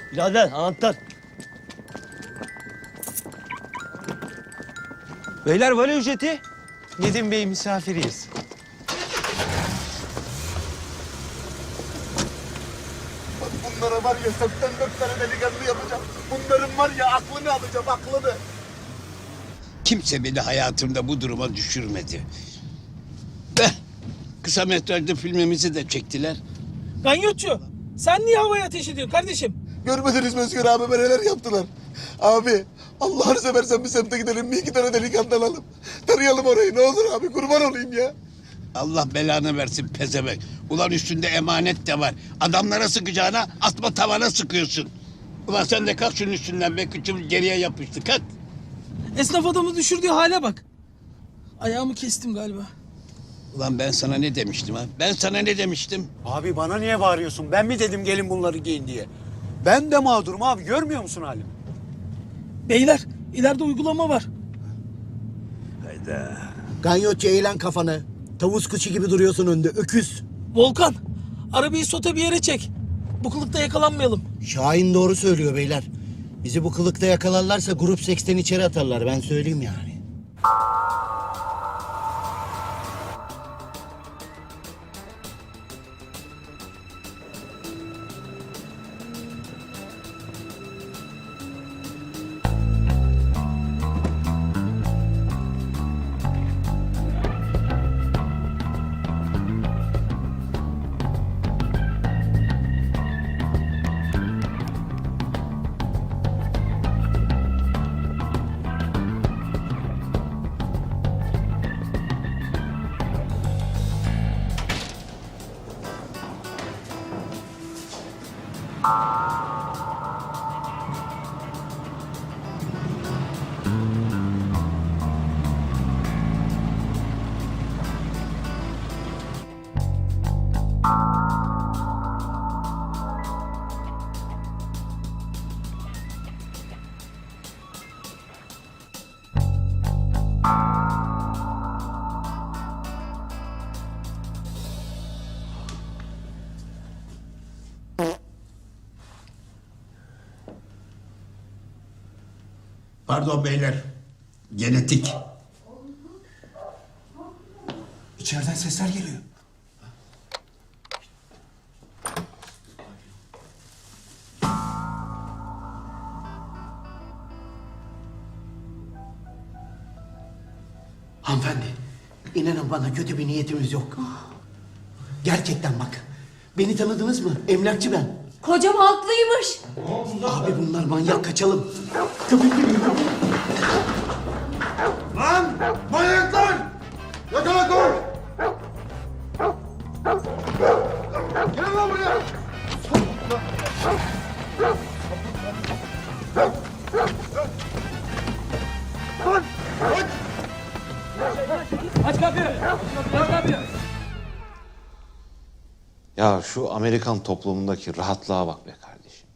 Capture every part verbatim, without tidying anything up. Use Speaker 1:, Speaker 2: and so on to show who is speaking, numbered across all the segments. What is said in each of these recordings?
Speaker 1: Birader anahtar.
Speaker 2: Beyler vali ücreti. Nedim Bey misafiriyiz.
Speaker 3: Bunlara var ya seksen dört tane delikanlı yapacağım. Bunların var ya aklını alacağım, aklını.
Speaker 4: Kimse beni hayatımda bu duruma düşürmedi. Eh, kısa metrajlı filmimizi de çektiler.
Speaker 5: Ganyotçu, sen niye havaya ateş ediyorsun kardeşim?
Speaker 3: Görmediniz mi Özgür abi neler yaptılar? Abi Allah'ını seversen bir semte gidelim, bir iki tane delikanlı alalım. Tarayalım orayı ne olur abi, kurban olayım ya.
Speaker 4: Allah belanı versin pezevenk. Ulan üstünde emanet de var. Adamlara sıkacağına atma tavana sıkıyorsun. Ulan sen de kalk şunun üstünden be, kıçım geriye yapıştı, kalk.
Speaker 5: Esnaf adamı düşürdüğü hale bak. Ayağımı kestim galiba.
Speaker 4: Ulan ben sana ne demiştim ha? Ben sana ne demiştim?
Speaker 6: Abi bana niye bağırıyorsun? Ben mi dedim gelin bunları giyin diye? Ben de mağdurum abi, görmüyor musun halimi?
Speaker 5: Beyler, ileride uygulama var.
Speaker 7: Ganyotçu eğlen kafanı. Tavus kuşu gibi duruyorsun önde, öküz.
Speaker 5: Volkan, arabayı sota bir yere çek. Bu kılıkta yakalanmayalım.
Speaker 7: Şahin doğru söylüyor beyler. Bizi bu kılıkta yakalarlarsa grup seksten içeri atarlar, ben söyleyeyim yani.
Speaker 4: Pardon beyler. Genetik.
Speaker 6: İçeriden sesler geliyor.
Speaker 7: Hanımefendi, inanın bana kötü bir niyetimiz yok. Gerçekten bak, beni tanıdınız mı? Emlakçı ben.
Speaker 8: Kocam haklıymış.
Speaker 7: Abi bunlar manyak, kaçalım. Köpek gibi yürü.
Speaker 3: Lan manyaklar! Yakala koy! Gelin lan buraya! Lan! Aç!
Speaker 5: Aç kapıyı. Aç kapıyı.
Speaker 9: Ya şu Amerikan toplumundaki rahatlığa bak be kardeşim.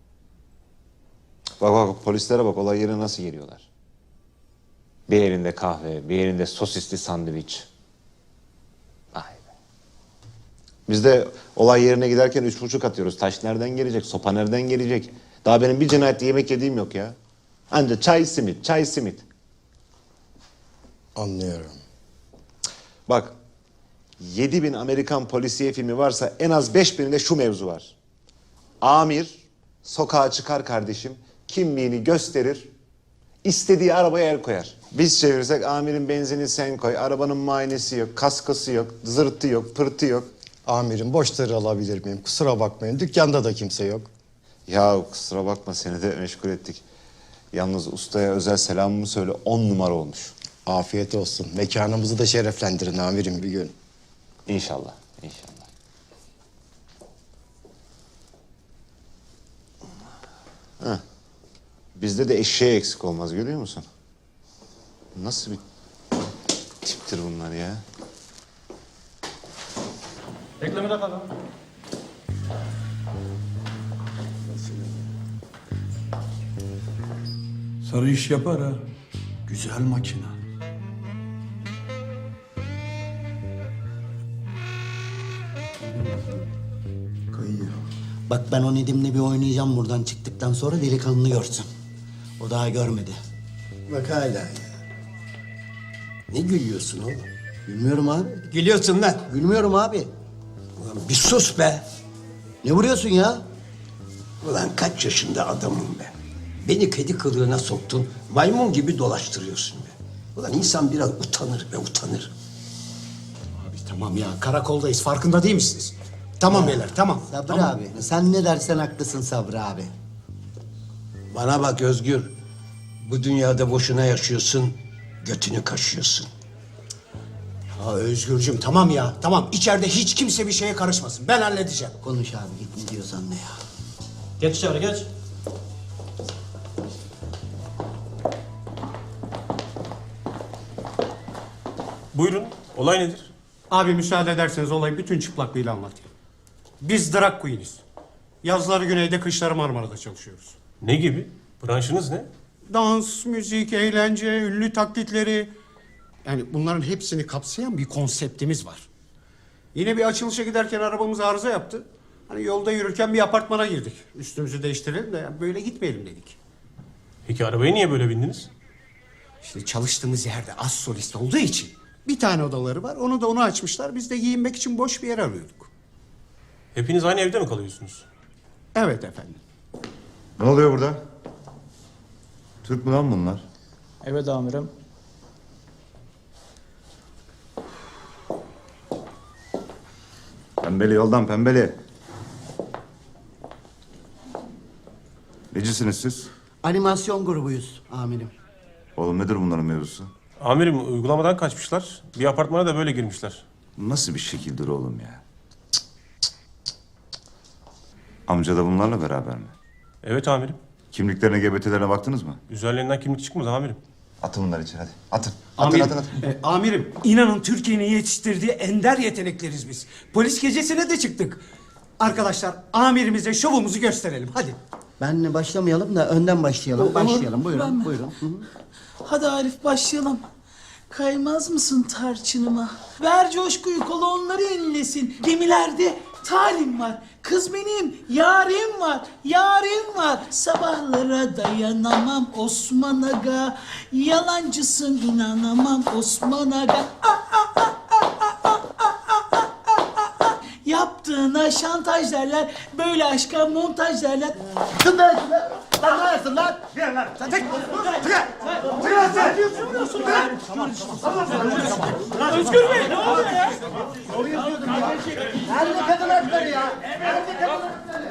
Speaker 9: Bak bak bak, polislere bak, olay yerine nasıl geliyorlar. Bir elinde kahve, bir elinde sosisli sandviç. Vay be. Biz de olay yerine giderken üç buçuk atıyoruz. Taş nereden gelecek, sopa nereden gelecek? Daha benim bir cinayette yemek yediğim yok ya. Anca çay simit, çay simit.
Speaker 3: Anlıyorum.
Speaker 9: Bak, yedi bin Amerikan polisiye filmi varsa en az beş bininde şu mevzu var. Amir sokağa çıkar kardeşim, kimliğini gösterir, istediği arabaya el koyar. Biz çevirsek amirin benzini sen koy, arabanın muayenesi yok, kaskası yok, zırtı yok, pırtı yok.
Speaker 10: Amirim boşları alabilir miyim? Kusura bakmayın, dükkanda da kimse yok.
Speaker 9: Ya kusura bakma, seni de meşgul ettik. Yalnız ustaya özel selamımı söyle, on numara olmuş.
Speaker 10: Afiyet olsun. Mekanımızı da şereflendirin amirim bir gün.
Speaker 9: İnşallah, inşallah. Heh. Bizde de eşeğe eksik olmaz, görüyor musun? Nasıl bir tiptir bunlar ya?
Speaker 5: Reklamı da kalın.
Speaker 11: Sarı iş yapar ha. Güzel makine.
Speaker 10: Kayıyor.
Speaker 7: Bak ben o Nedim'le bir oynayacağım buradan çıktıktan sonra delikanlı görsün. O daha görmedi.
Speaker 6: Bak hala ya. Ne gülüyorsun oğlum?
Speaker 7: Gülmüyorum abi.
Speaker 6: Gülüyorsun lan.
Speaker 7: Gülmüyorum abi.
Speaker 6: Ulan bir sus be.
Speaker 7: Ne vuruyorsun ya?
Speaker 6: Ulan kaç yaşında adamım be. Beni kedi kılığına soktun. Maymun gibi dolaştırıyorsun be. Ulan insan biraz utanır be utanır.
Speaker 1: Abi tamam ya karakoldayız farkında değil misiniz? Tamam beyler tamam.
Speaker 7: Sabri
Speaker 1: tamam.
Speaker 7: abi. Sen ne dersen haklısın Sabri abi.
Speaker 6: Bana bak Özgür. Bu dünyada boşuna yaşıyorsun. Götünü kaşıyorsun.
Speaker 1: Ya Özgürcüm tamam ya tamam. İçeride hiç kimse bir şeye karışmasın. Ben halledeceğim.
Speaker 7: Konuş abi git ne diyorsan ne ya.
Speaker 2: Geç içeri geç.
Speaker 12: Buyurun, olay nedir?
Speaker 1: Abi müsaade ederseniz olayı bütün çıplaklığıyla anlatayım. Biz drag queen'iz. Yazları güneyde, kışları Marmara'da çalışıyoruz.
Speaker 12: Ne gibi? Branşınız ne?
Speaker 1: Dans, müzik, eğlence, ünlü taklitleri... Yani bunların hepsini kapsayan bir konseptimiz var. Yine bir açılışa giderken arabamız arıza yaptı. Hani yolda yürürken bir apartmana girdik. Üstümüzü değiştirelim de yani böyle gitmeyelim dedik.
Speaker 12: Peki arabaya niye böyle bindiniz?
Speaker 1: İşte çalıştığımız yerde az solist olduğu için bir tane odaları var. Onu da onu açmışlar. Biz de giyinmek için boş bir yer arıyorduk.
Speaker 12: Hepiniz aynı evde mi kalıyorsunuz?
Speaker 1: Evet efendim.
Speaker 9: Ne oluyor burada? Türk mü lan bunlar?
Speaker 2: Evet amirim.
Speaker 9: Pembeli yoldan pembeli. Necisiniz siz?
Speaker 7: Animasyon grubuyuz amirim.
Speaker 9: Oğlum nedir bunların mevzusu?
Speaker 12: Amirim uygulamadan kaçmışlar. Bir apartmana da böyle girmişler.
Speaker 9: Nasıl bir şekildir oğlum ya? Amca da bunlarla beraber mi?
Speaker 12: Evet amirim.
Speaker 9: Kimliklerine, G B T'lerine baktınız mı?
Speaker 12: Üzerlerinden kimlik çıkmadı amirim.
Speaker 9: Atın bunları içeri hadi. Atın. Atın
Speaker 1: Amirim,
Speaker 9: atın atın.
Speaker 1: e, amirim inanın Türkiye'nin yetiştirdiği ender yetenekleriz biz. Polis gecesine de çıktık. Arkadaşlar amirimize şovumuzu gösterelim hadi.
Speaker 7: Benle başlamayalım da önden başlayalım.
Speaker 5: Olur.
Speaker 7: Başlayalım buyurun
Speaker 5: Ben mi?
Speaker 7: buyurun. Hı hı.
Speaker 5: Hadi Arif başlayalım. Kaymaz mısın tarçınıma? Ver coşkuyu kola onları inlesin. Gemilerde talim var. Kız benim yarim var. Yarim var. Sabahlara dayanamam Osman Aga. Yalancısın inanamam Osman Aga. Ah, ah, ah, ah, ah, ah, ah, ah, ah, ah. Yaptığına şantaj derler. Böyle aşka montaj derler. Özgür Bey ne oluyor ya?
Speaker 7: Nerede kadın hakları ya? Nerede kadın hakları?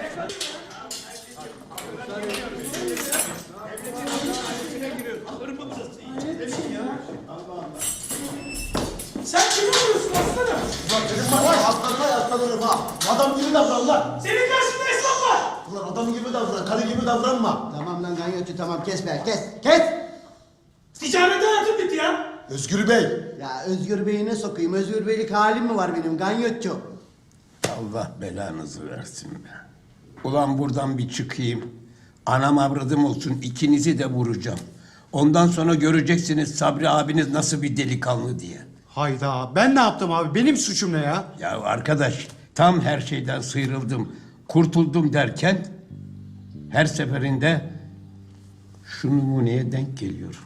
Speaker 5: Sen kimi vuruyorsun aslanım?
Speaker 3: Aslanına yaslanırım ha. Adam gibi davran lan.
Speaker 5: Senin karşında esnaf var.
Speaker 3: Ulan adam gibi davran, karı gibi davranma.
Speaker 7: Tamam lan ganyotçu tamam kes be kes kes.
Speaker 5: Ticaret hayatım bitti ya.
Speaker 3: Özgür Bey.
Speaker 7: Ya Özgür Bey'i ne sokayım? Özgür Bey'lik halim mi var benim ganyotçu?
Speaker 6: Allah belanızı versin be. Ulan buradan bir çıkayım. Anam avradım olsun ikinizi de vuracağım. Ondan sonra göreceksiniz Sabri abiniz nasıl bir delikanlı diye.
Speaker 1: Hayda ben ne yaptım abi benim suçum ne ya?
Speaker 6: Ya arkadaş tam her şeyden sıyrıldım, kurtuldum derken her seferinde şu numuneye denk geliyorum.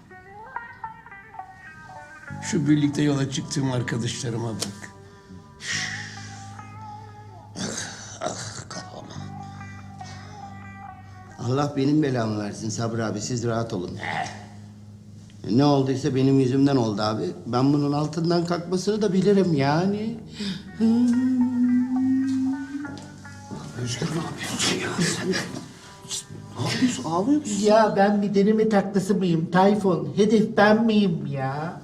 Speaker 6: Şu birlikte yola çıktığım arkadaşlarıma bak. Ah, ah kafama.
Speaker 7: Allah benim belamı versin Sabri abi siz rahat olun. Ne olduysa benim yüzümden oldu abi. Ben bunun altından kalkmasını da bilirim yani.
Speaker 1: Özgür ne yapıyorsun ya sen? Ne yapıyorsun ağlıyor musun?
Speaker 7: Ya ben bir deneme taklası mıyım Tayfun? Hedef ben miyim ya?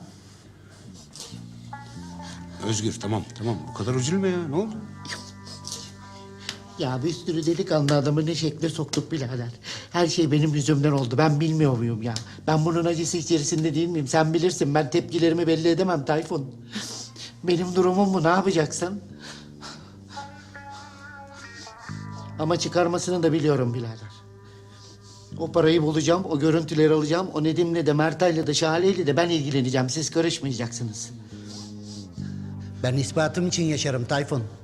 Speaker 1: Özgür tamam tamam bu kadar üzülme ya ne oldu?
Speaker 7: Ya bir sürü delikanlı adamı ne şekle soktuk birader. Her şey benim yüzümden oldu. Ben bilmiyor muyum ya? Ben bunun acısı içerisinde değil miyim? Sen bilirsin. Ben tepkilerimi belli edemem Tayfun. Benim durumum bu. Ne yapacaksın? Ama çıkarmasını da biliyorum birader. O parayı bulacağım, o görüntüleri alacağım. O Nedim'le de, Mertay'la da, Şale'yle de ben ilgileneceğim. Siz karışmayacaksınız. Ben ispatım için yaşarım Tayfun.